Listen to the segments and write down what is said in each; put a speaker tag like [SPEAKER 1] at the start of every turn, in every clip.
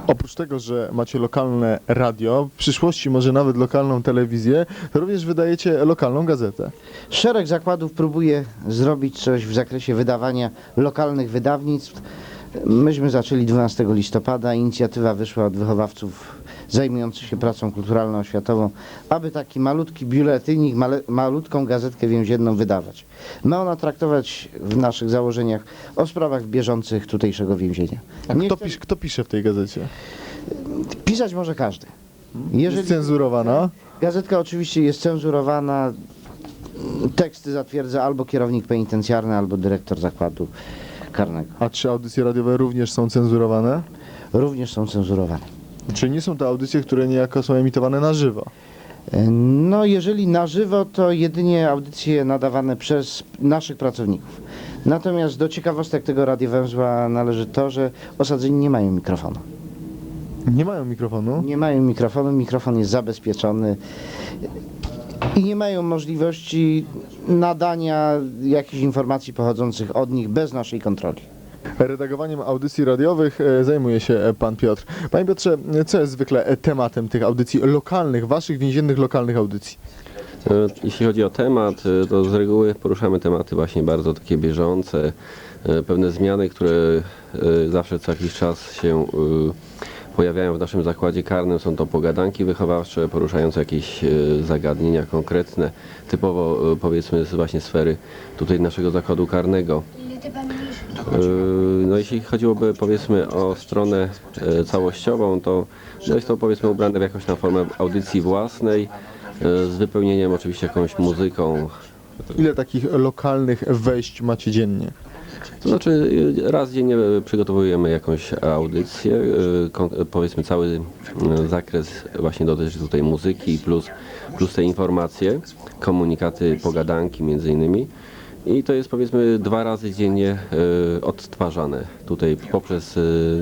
[SPEAKER 1] Oprócz tego, że macie lokalne radio, w przyszłości może nawet lokalną telewizję, to również wydajecie lokalną gazetę.
[SPEAKER 2] Szereg zakładów próbuje zrobić coś w zakresie wydawania lokalnych wydawnictw. Myśmy zaczęli 12 listopada, inicjatywa wyszła od wychowawców zajmujących się pracą kulturalno-oświatową, aby taki malutki biuletynik, malutką gazetkę więzienną wydawać. Ma ona traktować w naszych założeniach o sprawach bieżących tutejszego więzienia.
[SPEAKER 1] A kto pisze w tej gazecie?
[SPEAKER 2] Pisać może każdy.
[SPEAKER 1] Jest cenzurowana?
[SPEAKER 2] Gazetka oczywiście jest cenzurowana, teksty zatwierdza albo kierownik penitencjarny, albo dyrektor zakładu karnego.
[SPEAKER 1] A czy audycje radiowe również są cenzurowane?
[SPEAKER 2] Również są cenzurowane.
[SPEAKER 1] Czy nie są to audycje, które niejako są emitowane na żywo?
[SPEAKER 2] No jeżeli na żywo, to jedynie audycje nadawane przez naszych pracowników. Natomiast do ciekawostek tego radiowęzła należy to, że osadzeni nie mają mikrofonu.
[SPEAKER 1] Nie mają mikrofonu?
[SPEAKER 2] Nie mają mikrofonu, mikrofon jest zabezpieczony i nie mają możliwości nadania jakichś informacji pochodzących od nich bez naszej kontroli.
[SPEAKER 1] Redagowaniem audycji radiowych zajmuje się pan Piotr. Panie Piotrze, co jest zwykle tematem tych audycji lokalnych, waszych więziennych lokalnych audycji?
[SPEAKER 3] Jeśli chodzi o temat, to z reguły poruszamy tematy właśnie bardzo takie bieżące, pewne zmiany, które zawsze co jakiś czas się pojawiają w naszym zakładzie karnym. Są to pogadanki wychowawcze poruszające jakieś zagadnienia konkretne, typowo powiedzmy z właśnie sfery tutaj naszego zakładu karnego. No jeśli chodziłoby powiedzmy o stronę całościową, to jest to powiedzmy ubrane w jakąś tam formę audycji własnej, z wypełnieniem oczywiście jakąś muzyką.
[SPEAKER 1] Ile takich lokalnych wejść macie dziennie?
[SPEAKER 3] To znaczy raz dziennie przygotowujemy jakąś audycję, powiedzmy cały zakres właśnie dotyczy tutaj muzyki plus te informacje, komunikaty, pogadanki między innymi. I to jest powiedzmy 2 razy dziennie odtwarzane tutaj poprzez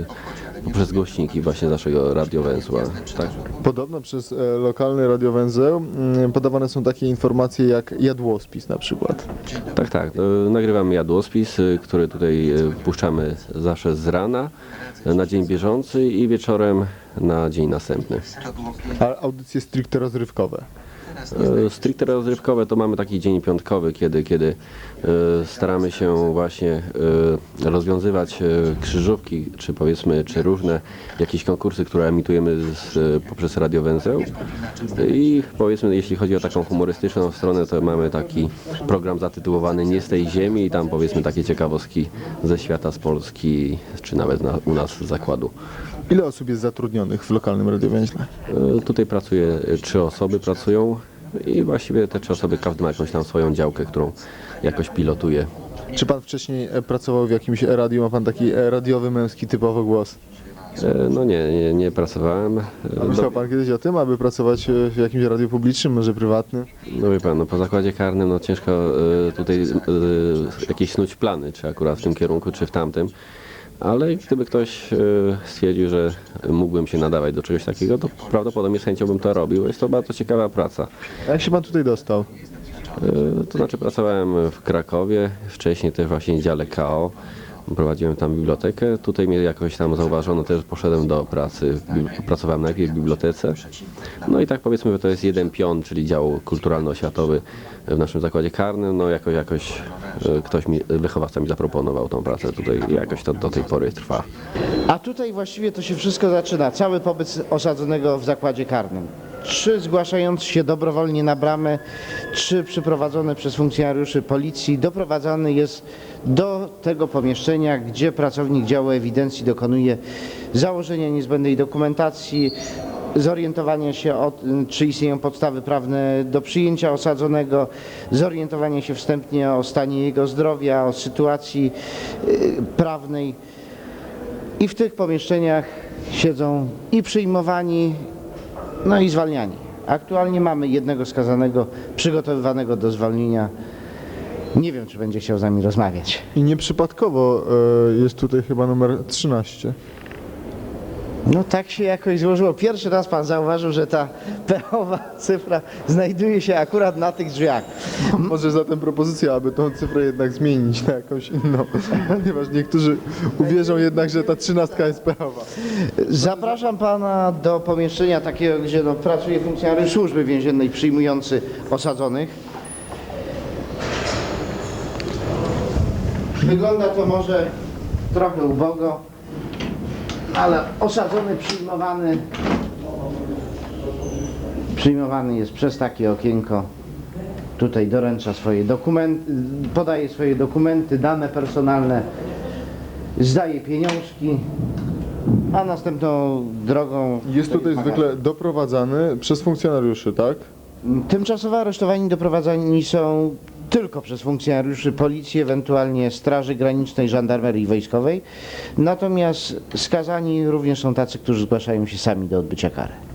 [SPEAKER 3] głośniki właśnie naszego radiowęzła. Tak.
[SPEAKER 1] Podobno przez lokalny radiowęzeł podawane są takie informacje jak jadłospis na przykład.
[SPEAKER 3] Tak. Nagrywamy jadłospis, który tutaj puszczamy zawsze z rana na dzień bieżący i wieczorem na dzień następny.
[SPEAKER 1] A audycje stricte rozrywkowe?
[SPEAKER 3] Stricte rozrywkowe to mamy taki dzień piątkowy, kiedy staramy się właśnie rozwiązywać krzyżówki, czy powiedzmy, czy różne jakieś konkursy, które emitujemy poprzez radiowęzeł. I powiedzmy, jeśli chodzi o taką humorystyczną stronę, to mamy taki program zatytułowany Nie z tej ziemi i tam powiedzmy takie ciekawostki ze świata, z Polski, czy nawet u nas z zakładu.
[SPEAKER 1] Ile osób jest zatrudnionych w lokalnym radiowęźle?
[SPEAKER 3] Tutaj pracuje 3 osoby pracują i właściwie te 3 osoby każdy ma jakąś tam swoją działkę, którą jakoś pilotuje.
[SPEAKER 1] Czy pan wcześniej pracował w jakimś radiu? Ma pan taki radiowy, męski typowo głos?
[SPEAKER 3] No nie pracowałem.
[SPEAKER 1] Myślał pan kiedyś o tym, aby pracować w jakimś radiu publicznym, może prywatnym?
[SPEAKER 3] No wie pan, po zakładzie karnym no ciężko tutaj jakieś snuć plany, czy akurat w tym kierunku, czy w tamtym. Ale gdyby ktoś stwierdził, że mógłbym się nadawać do czegoś takiego, to prawdopodobnie z chęcią bym to robił. Jest to bardzo ciekawa praca.
[SPEAKER 1] A jak się pan tutaj dostał?
[SPEAKER 3] To znaczy pracowałem w Krakowie, wcześniej też właśnie w dziale KO. Prowadziłem tam bibliotekę. Tutaj mnie jakoś tam zauważono, też poszedłem do pracy. Pracowałem najpierw w bibliotece. No i tak powiedzmy, że to jest jeden pion, czyli dział kulturalno-oświatowy w naszym zakładzie karnym. No jakoś wychowawca mi zaproponował tą pracę tutaj i jakoś to do tej pory trwa.
[SPEAKER 2] A tutaj właściwie to się wszystko zaczyna, cały pobyt osadzonego w zakładzie karnym. 3 zgłaszające się dobrowolnie na bramę, 3 przyprowadzone przez funkcjonariuszy policji, doprowadzany jest do tego pomieszczenia, gdzie pracownik działu ewidencji dokonuje założenia niezbędnej dokumentacji, zorientowania się, czy istnieją podstawy prawne do przyjęcia osadzonego, zorientowania się wstępnie o stanie jego zdrowia, o sytuacji prawnej. I w tych pomieszczeniach siedzą i przyjmowani, no i zwalniani. Aktualnie mamy jednego skazanego przygotowywanego do zwolnienia. Nie wiem, czy będzie chciał z nami rozmawiać.
[SPEAKER 1] I nieprzypadkowo jest tutaj chyba numer 13.
[SPEAKER 2] No tak się jakoś złożyło. Pierwszy raz pan zauważył, że ta pechowa cyfra znajduje się akurat na tych drzwiach.
[SPEAKER 1] Może zatem propozycja, aby tą cyfrę jednak zmienić na jakąś inną, ponieważ niektórzy uwierzą jednak, że ta 13 jest pechowa.
[SPEAKER 2] Zapraszam pana do pomieszczenia takiego, gdzie no, pracuje funkcjonariusz służby więziennej przyjmujący osadzonych. Wygląda to może trochę ubogo, ale osadzony, przyjmowany jest przez takie okienko. Tutaj doręcza swoje dokumenty, podaje swoje dokumenty, dane personalne, zdaje pieniążki, a następną drogą...
[SPEAKER 1] Jest tutaj zwykle doprowadzany przez funkcjonariuszy, tak?
[SPEAKER 2] Tymczasowo aresztowani doprowadzani są tylko przez funkcjonariuszy policji, ewentualnie Straży Granicznej, Żandarmerii Wojskowej. Natomiast skazani również są tacy, którzy zgłaszają się sami do odbycia kary.